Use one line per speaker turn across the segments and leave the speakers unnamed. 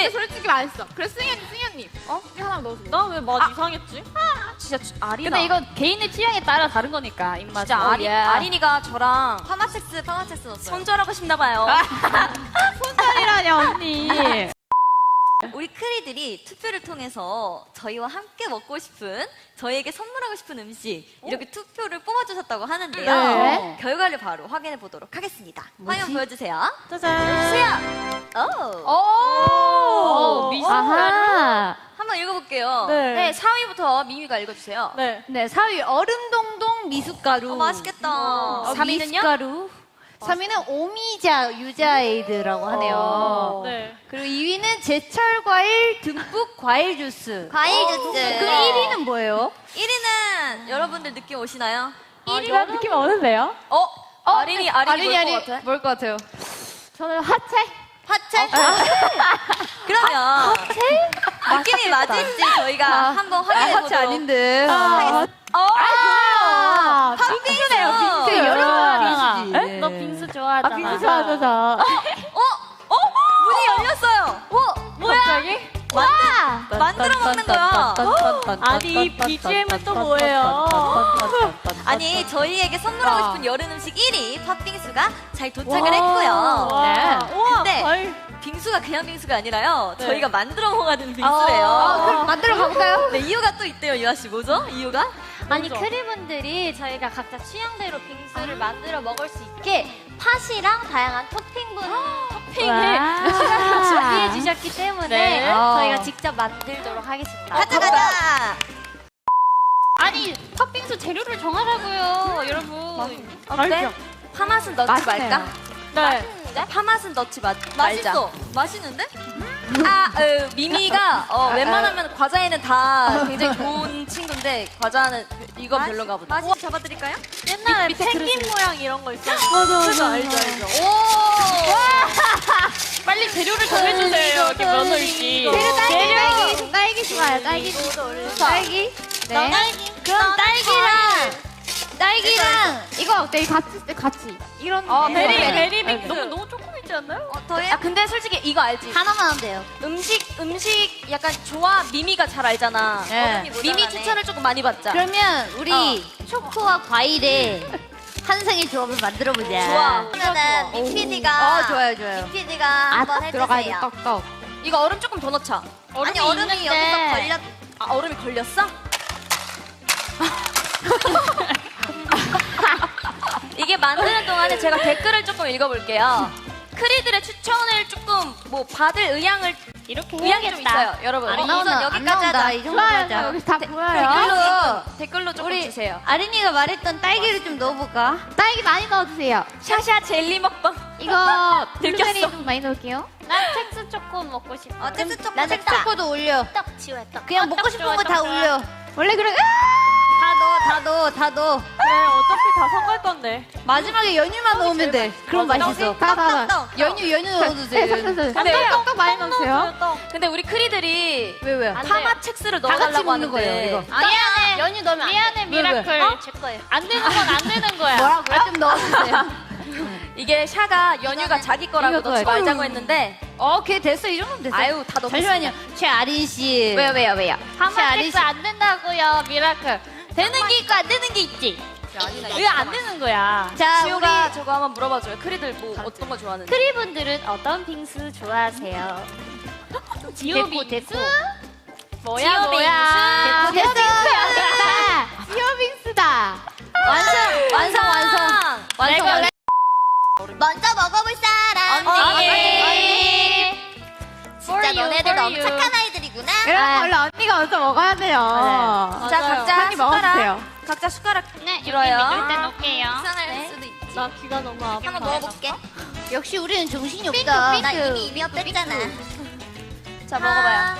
근데 솔직히 맛있어. 그래 승현님. 이거 하나 넣어줘.
나 왜 맛 이상했지?
진짜 아리나.
근데 이건 개인의 취향에 따라 다른 거니까 입맛.
진짜 아린이가 저랑
파마첵스 넣었어요.
손절하고 싶나봐요.
손절이라뇨 언니.
우리 크리들이 투표를 통해서 저희와 함께 먹고 싶은, 저희에게 선물하고 싶은 음식 이렇게 투표를 뽑아주셨다고 하는데요.
네.
결과를 바로 확인해 보도록 하겠습니다. 화면 보여주세요.
짜잔.
주세요.
오. 아하.
한번 읽어볼게요.
네, 4위부터 미미가 읽어주세요.
네.
네, 4위 얼음동동 미숫가루.
맛있겠다.
3위는요?
미숫가루. 3위는 오미자 유자에이드라고 하네요.
네.
그리고 2위는 제철 과일 듬뿍 과일 주스.
과일 주스.
그 1위는 뭐예요?
1위는 여러분들 느낌 오시나요?
1위가 느낌 오는데요?
아린이
뭘 것 같아요? 저는 하체?
화채? 그러면 느낌이 맞을지 저희가 한번 확인해 보도록
하체 아닌데.
팥빙수네요.
빙수 여러 가지.
네? 너 빙수 좋아하잖아.
빙수 좋아하잖아.
문이 열렸어요.
뭐야? 갑자기?
만들어 먹는 거야.
아니, BGM은 또 뭐예요?
아니, 저희에게 선물하고 싶은 여름 음식 1위 팥빙수가 잘 도착을
와.
했고요.
네. 우와,
근데
과일.
빙수가 그냥 빙수가 아니라요.
네.
저희가 만들어 먹어야 되는 빙수예요.
그럼 만들어 가볼까요?
네, 이유가 또 있대요, 유아 씨. 뭐죠? 이유가?
아니 크리분들이 저희가 각자 취향대로 빙수를 만들어 먹을 수 있게 팥이랑 다양한 토핑을 준비해 주셨기 때문에
네.
저희가 직접 만들도록 하겠습니다.
가자!
아니 팥빙수 재료를 정하라고요, 여러분.
어때? 파맛은 넣지
맛있네요.
말까?
네.
파맛은 넣지 말자.
맛있어. 맛있는데?
미미가 웬만하면 과자에는 다 굉장히 좋은 친구인데 과자는 이거 별로가 보다.
맛있 잡아드릴까요?
옛날에 펭귄 모양 이런 거 있었어.
맞아.
알죠.
오!
빨리 재료를 정해주세요. 여기 며느리씨.
딸기 좋아요. 딸기. 딸기. 네.
그럼
딸기랑 이거 어때? 같이. 이런.
베리
네.
빙수. 너무 조금 있지 않나요?
더해요?
근데 솔직히 이거 알지?
하나만 하면 돼요.
음식 약간 조합 미미가 잘 알잖아.
네.
미미 추천을 조금 많이 받자.
그러면 우리 초코와 과일의 한상의 조합을 만들어 보자.
좋아.
그러면은 미피디가
좋아요.
미피디가 한번 해주세요.
떡떡.
이거 얼음 조금 더 넣자.
아니 얼음이 여기서 걸렸.
얼음이 걸렸어? 이게 만드는 동안에 제가 댓글을 조금 읽어볼게요. 크리들의 추천을 조금 받을 의향을
이렇게
의향이 좀 있어요, 여러분.
안
우선
나오나?
여기까지
안 나온다.
하자.
이 정도 하자. 여기 다
댓글로 조금
우리
주세요.
아린이가 말했던 딸기를 좀 넣어볼까? 딸기 많이 넣어주세요.
샤샤 젤리 먹방.
이거
들켰어.
블루베리 좀 많이 넣을게요.
난 텍스 초코 먹고 싶어.
텍스 초코
나는 초코도 올려.
떡 지워야 떡.
그냥 먹고 싶은 거 다 올려. 원래 그래. 다 넣어.
그래, 어차피 다 섞을 건데.
마지막에 연유만 넣으면 돼. 그럼 맛있어.
떡.
연유 넣어주세요.
근데
떡 많이 넣으세요.
근데 우리 크리들이
왜?
파마 첵스를
다 같이
넣어달라고
먹는 거예요,
하는데
이거.
미안해.
연유 넣으면
미안해 미라클. 제 거예요.
안 되는 건 안 되는 거야.
뭐라고요? 좀 넣어주세요.
이게 샤가 연유가 자기 거라고
이거
넣지
넣어요.
말자고 했는데
오케이 됐어. 이 정도면 됐어.
아유 다 넣었어.
잠시만요. 최아린 씨.
왜요?
파마텍스 안 된다고요, 미라클. 되는 게 있고 안 되는 게 있지.
왜 안 되는 거야?
자,
지호가 저거 한번 물어봐줘요. 크리들 뭐 어떤 거 좋아하는지.
크리분들은 어떤 빙수 좋아하세요? 지오 빙수?
뭐야?
됐어. 지오빙스다.
완성.
먼저 먹어볼 사람.
언니.
진짜 너네들 너무 착한 아이들이구나.
그럼 원래 언니가 먼저 먹어야 돼요.
자 각자
언니 먹어주세요.
각자 숟가락
네, 여기
들어요.
밑줄 때 놓을게요.
이상할 수도 있지.
나 귀가 너무 아파.
한번 먹어볼게.
역시 우리는 정신이 없다.
나 이미 입이 뺐잖아.
자 먹어봐요.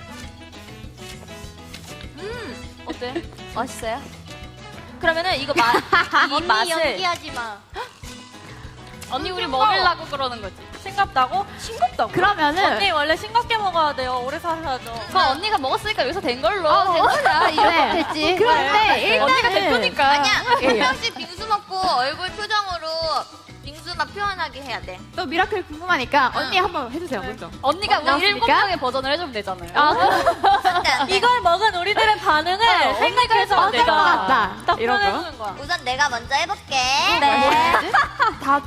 어때? 맛있어요? 그러면은 이거 이 맛을
연기하지 마.
언니 우리 먹으려고 그러는 거지. 싱겁다고? 싱겁다고?
그러면은
언니 원래 싱겁게 먹어야 돼요. 오래 살아야죠.
그거 언니가 먹었으니까 여기서 된 걸로.
된 거야. 이렇게 됐지. 그런데
언니가
일단은
대표니까.
아니야. 한 명씩 빙수 먹고 얼굴 표정으로 빙수 막 표현하게 해야 돼.
또 미라클 궁금하니까 언니 한번 해주세요 먼저.
언니가 우리
나왔습니까?
7명의 버전을 해주면 되잖아요.
안돼 안돼.
이걸 먹은 우리들의 반응을 생각해서
맞을 것 같다.
딱
이런 거.
표현해주는 거야.
우선 내가 먼저 해볼게.
네.
다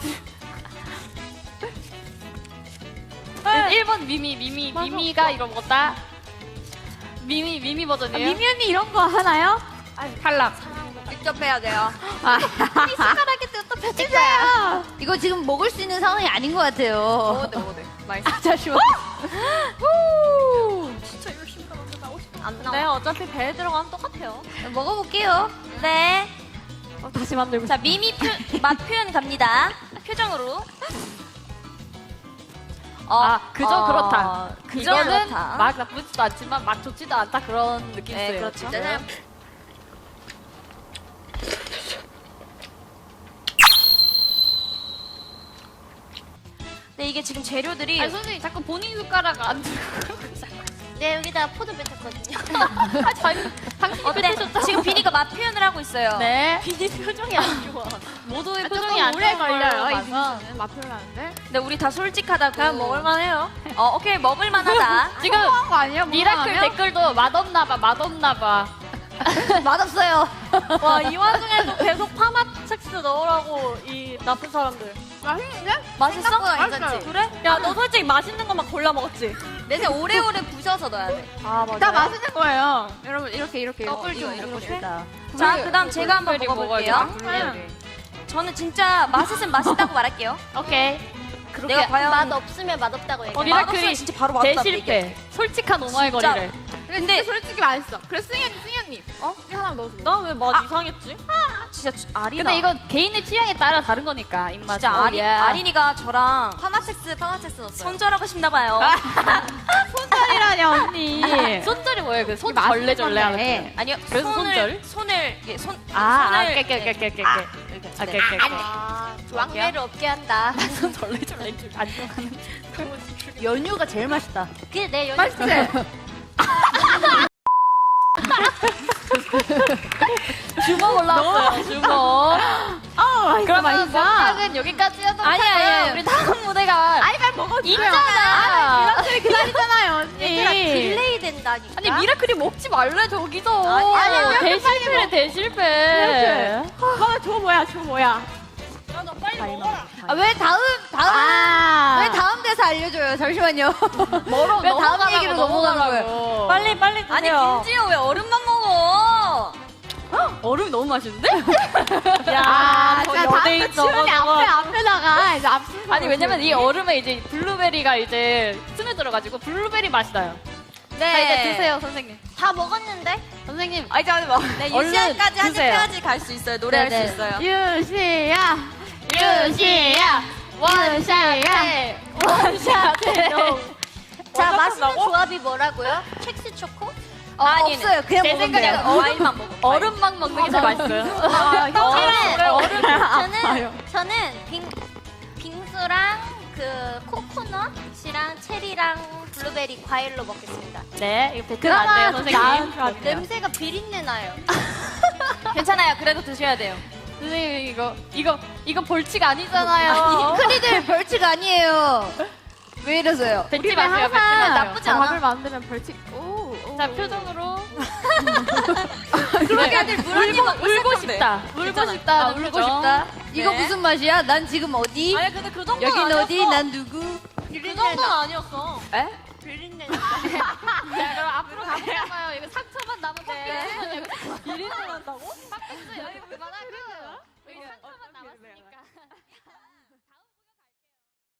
1번 미미가 이거 먹었다. 미미 버전이에요.
미미 언니 이런 거 하나요?
탈락.
직접 해야 돼요.
숟가락에 또 펴질 거야. 이거 지금 먹을 수 있는 상황이 아닌 것 같아요.
먹어도 맛있어.
잠시만.
안 나와.
네, 어차피 배에 들어가면 똑같아요.
먹어볼게요.
네.
다시 만들고.
자, 맛 표현 갑니다. 표정으로.
그저 그렇다.
그저
이거는
그렇다.
막 나쁘지도 않지만 막 좋지도 않다 그런 느낌이
네,
있어요.
그렇죠.
짜잔.
네, 이게 지금 재료들이
아니 선생님 자꾸 본인 숟가락 안 들고.
네, 여기다 포도 뱉었거든요.
네, 지금 비니가 맛 표현을 하고 있어요.
네.
비니 표정이 안 좋아.
모두의
조금
표정이 안
오래
좋은
걸려요. 이
걸로 봐서.
빙수는 맛 표현하는데.
근데 우리 다 솔직하다고.
그냥 먹을만해요.
오케이, 먹을만하다.
지금
거 아니에요?
미라클 댓글도 맛없나봐.
맛없어요.
와, 이 와중에도 계속 파맛 섹스 넣으라고 이 나쁜 사람들.
맛있는데?
맛있어?
생각보다 괜찮지?
그래? 야, 너 솔직히 맛있는 것만 골라 먹었지?
내세 오래오래 부셔서 넣어야 돼.
아, 맞아.
다 맛있는 거예요. 여러분 이렇게
떡을 좀 이렇게.
자, 그다음 제가 한번
블루베리
먹어볼게요.
먹어야죠.
저는 진짜 맛있으면 맛있다고 말할게요.
오케이.
내가 과연
맛 없으면 맛없다고 얘기해.
미라클이
맛없으면 진짜 바로 맛없다고
대실패. 솔직한 오마이걸이를.
근데 솔직히 맛있어. 그래 승현님. 이거 하나 넣어줘.
나 왜 맛 이상했지? 진짜 아리나.
근데 이거 개인의 취향에 따라 다른 거니까 입맛.
진짜 아린이가 저랑
파마섹스 넣었어요.
손절하고 싶나 봐요.
손절이라니 언니.
손절이 뭐예요? 그 손
맛있는
절레절레 하는
건데.
거.
아니요.
그래서 손절?
손을 이게
깨깨깨깨깨. 깨깨깨깨.
왕래를 없게 한다.
손 절레절레 안 좋아하는.
연유가 제일 맛있다.
그게 내 연유.
맛있지?
주먹 올라왔어요. 주먹.
맛있어
그러면
맛있어.
먹방은 여기까지여도
아니야.
우리 다음 무대가
아니 빨리 먹어줘요.
있잖아.
미라클이 기다리잖아요 언니.
얘들아, 딜레이 된다니까.
아니 미라클이 먹지 말래 저기서.
아니야.
대실패래 대실패.
저거 뭐야?
왜 다음 왜 다음 대사 알려줘요? 잠시만요.
멀어
왜 다음 얘기로 넘어가는 거예요?
빨리
아니
드세요.
김지호 왜 얼음만 먹어?
얼음 너무 맛있는데?
아,
저
진짜
여대인
다음부터 치훈이
저거.
앞에다가 이제 앞.
아니 왜냐면 이 얼음에 이제 블루베리가 이제 스며들어가지고 블루베리 맛이 나요.
네.
자 이제 드세요 선생님.
다 먹었는데?
선생님.
아니 잠깐만. 네
얼른
유시안까지 한
드세요.
입까지 갈 수 있어요. 노래할
네,
수 있어요.
유시야.
원샷해.
자, 맛있는 조합이 뭐라고요? 첵스 초코?
아니
없어요. 그냥
제
먹으면
생각에는
돼요.
과일만 먹어.
얼음만 먹는 게 더 맛있어요.
저는 빙수랑 그 코코넛이랑 체리랑 블루베리 과일로 먹겠습니다.
네, 이거 뱉으면 안 돼요 선생님.
냄새가 비린내 나요.
괜찮아요. 그래도 드셔야 돼요.
선생님 이거 벌칙 아니잖아요.
크리들 벌칙 아니에요. 왜 이러세요?
뱉지 마세요. 뱉지 마세요.
나쁘지 않아.
밥을 만들면 벌칙. 오.
자 표정으로.
그러게 아들 물 언니 먹고
울고
싶은데.
싶다. 울고 싶다.
울고 싶다. 이거
네.
무슨 맛이야? 난 지금 어디?
아니 근데 그 정도는
여긴
아니었어.
어디? 난 누구?
그 정도는 아니었어.
비린내.
자 그럼 앞으로 가보자마요. 이거 상처만 남으면 돼.
비린내 난다고?
여기 그만하고 여기 상처만 남아.